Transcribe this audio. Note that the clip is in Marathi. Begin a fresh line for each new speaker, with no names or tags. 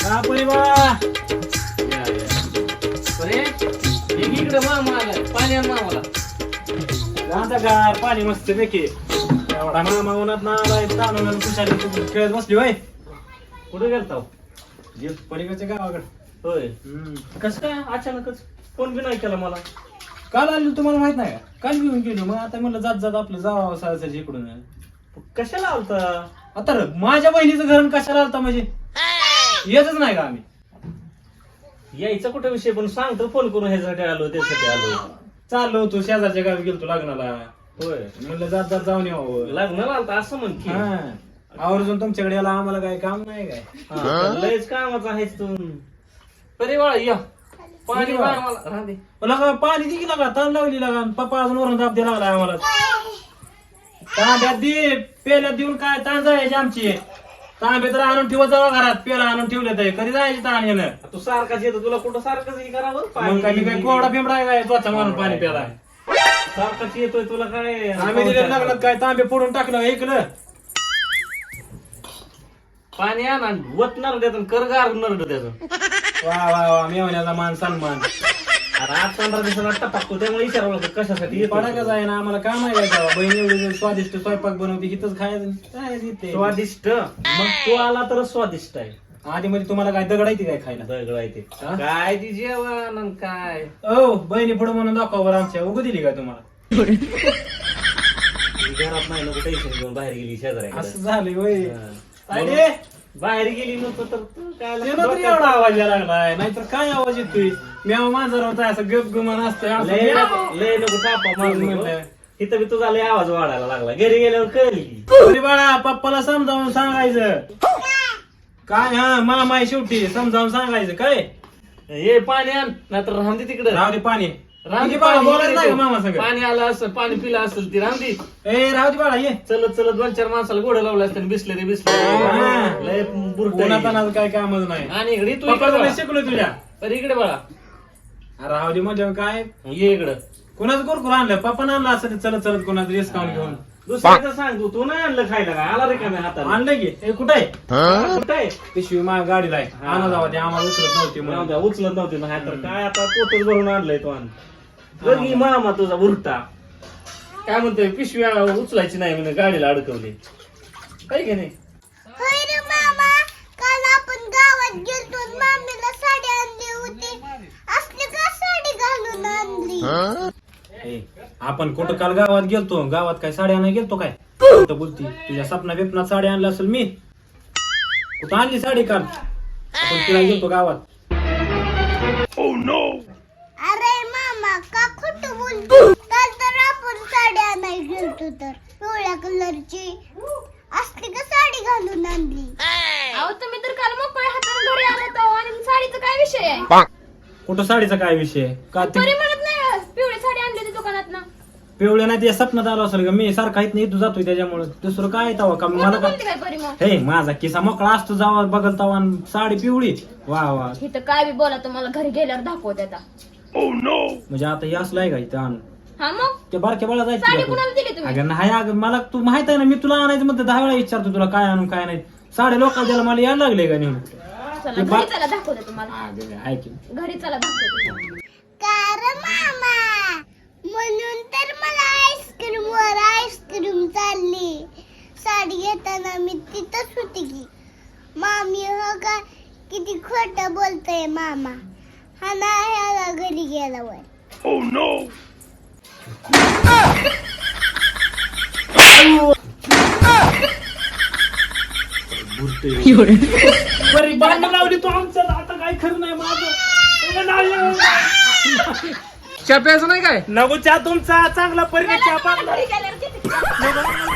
हा परिवार
अरे इकडे मामा आलाय पाणी आण मामाला.
आता गार पाणी मस्त पैकी एवढा मामा उन्हात ना आलाय ताणून खुशाली खेळत बसली होय.
कुठे गेलता?
पलीकडच्या गावाकडे.
होय. कसं काय अचानकच फोन बी नाही केला मला.
काल आलो तुम्हाला माहित नाही का? काल घेऊन गेलो मग आता म्हणलं जात जात आपलं जावं सारखं इकडून.
कशाला आलता?
आता माझ्या बहिणीचं घर कशाला आलता म्हणजे येतच नाही का आम्ही?
यायचा कुठे विषय पण सांगतो फोन करून ह्याच्यासाठी आलो त्यासाठी आलो.
चाललो होतो शेजारच्या गावी गेलतो लग्नाला.
होय.
म्हणलं जात जात जाऊन यावं.
लग्नाला आलता असं म्हण की.
हा आवर्जून तुमच्याकडे याला आम्हाला काय काम नाही काय?
हा, लयच कामाचा आहेस तू. परिवार या पाणी
परिवार.
मार मला राहू दे.
लगा पाणी दिली लागा ताण लावली लागा पप्पा अजून वरून दाब द्यायला लागला आम्हाला. तांब्यात दे पेल्यात देऊन काय ताण जायची आमची. तांबे तर आणून ठेवत जावा घरात पेला आणून ठेवले तर कधी जायची ताण येणं.
तू सारखाच येतो तुला कुठं सारखंच हे करावं.
मग काय मी काय कोवडा पिंपडा आहे काय स्वतः मारून पाणी प्याला.
सारखाच येतोय तुला काय.
आम्ही दिले लग्नात काय तांबे फोडून टाकलं ऐकलं.
पाणी आण आणि वत नरड्यात आणि कर गार नरड त्याचं.
वा वा वा मेवण्याचा मान सन्मान.
अरे आज 15 दिवसाला टाकतो त्यामुळे विचारावं लागतं कशासाठी येतो.
पडा कसं आहे ना आम्हाला काम आहे का बहीण एवढी स्वादिष्ट स्वयंपाक बनवते हिथंच खायचं काय देते.
स्वादिष्ट मग तू आला तर स्वादिष्ट आहे.
आधी म्हणजे तुम्हाला काय दगडायची काय खायला?
दगड आहे ते.
हा?
काय ती जेवण आणि काय.
ओ बहिणी पुढे म्हणून दाखवा बरं आमच्या उगं दिली का तुम्हाला?
घरात नाही नको टेन्शन घेऊन बाहेर गेली शेजाऱ्याकडे.
असं झालं होय.
हा.
अरे
बाहेर गेली नको तर तू काय
ते ना तरी एवढा आवाज यायला लागलाय नाहीतर काय आवाज येतोय? म्याव मांजर होता असं गप गुमान असतंय असं
लय
म्याव.
लय नको तापा मारू नको.
म्हणलं.
इथं बी तुझा लय आवाज वाढायला लागला घरी गेल्यावर कळली.
अरे बाळा पप्पाला समजावून सांगायचं काय. हा मामा आहे शेवटी समजावून सांगायचं काय.
हे पाणी आण नाहीतर राहून दे तिकडे.
राहू दे पाणी.
राहून दे
बाळा
पाणी.
बोलायचं नाही का मामा सगळं?
पाणी आलं असं पाणी पिलं असेल ती राहून दे.
ए राहू दे बाळा ये.
चलत चलत 2-4 माणसाला गोड लावलं असतं बिसले
हा.
लय बुरट
कोणाचं काय कामच नाही.
आणि इकडे तू
पप्पा
इकडे
तुला
बाळा.
शिकलो तुझ्या.
अरे इकडे बाळा
राहू दे म्हणजे काय
ये इकडं.
कोणाचं कुरकुर आणलं पप्पानं आणलं असं ते चलत चलत कोणाचं डिस्काउंट घेऊन
दुसऱ्याचं सांग तू नाही आणलं खायला काय आला रे का नाही हाताला.
आणलं की हे कुठं आहे?
कुठं आहे?
पिशवी माझ्या गाडीला आहे.
हा.
आणा जावा ते आम्हाला उचलत नव्हती
जाऊ
म्हणून.
द्या, उचलत नव्हते ना तर काय आता पोतच भरून आणलंय तो आण. बघ ही मामा तुझा उरटा काय म्हणतोय पिशव्या उचलायची नाही म्हणे गाडीला अडकवली काय की नाही.
होय रे मामा, काल आपण गावात गेलतो मामीला साडी आणली होती. असली का साडी घालून आणली?
ए, आपण कुठं काल गावात गेलतो गावात काय साडी आणायला गेलतो काय कुठं बोलती तुझ्या सपना बिपनात साडी आणली असेल मी कुठं आणली साडी काल आपण तिला गेलतो गावात.
अरे मामा का खोटं बोलतो? काल तर आपण साडी आणायला गेलतो तर पिवळ्या कलरची असली का साडी घालून आणली?
अहो तुम्ही तर काल मोकळ्या हाताने घरी आलात अहो, आणि साडीचा काय विषय आहे?
कुठं साडीचा काय विषय का ते
तरी म्हणत नाही पिवळी साडी आणली होती दुकानात ना.
पिवळ्या नाही ते सपनात आलो असेल का मी सारखा इथं इथं जातोय त्याच्यामुळे दुसरं काय तवा का मला काय.
बोलते काय परी मग?
हे माझा किसा मोकळा असतो जावा बघल तवा आणि साडी पिवळी वा वा
इथं काय बी बोला तुम्हाला घरी गेल्यावर दाखवत आता.
म्हणजे आता हे असलं आहे का इथं आणून
हा मग
ते बारक्या बाळा
साडी
जायचं
कुणाला दिली तुम्ही?
अगं नाही अगं मला तू माहित आहे ना मी तुला आणायचं म्हणते 10 वेळा विचारतो तुला काय आणून काय नाही. साडे लोकांना द्यायला मला यायला लागले का नेहमी.
चला घरी चला दाखवते तुम्हाला.
ऐक
घरी चला दाखवते.
कार मामा म्हणून तर मला आईस्क्रीम वर आईस्क्रीम चालली. साडी घेताना मी तिथंच होती की. मामी हो का किती खोटं बोलतोय मामा. हा ना ह्याला घरी गेल्यावर.
बरी भांडण लावली तू आमचं आता काय खरं नाही माझं.
चहा प्यायचं नाही काय.
नको चहा तुमचा चांगला परिणाम चहा
घरी गेल्यावर किती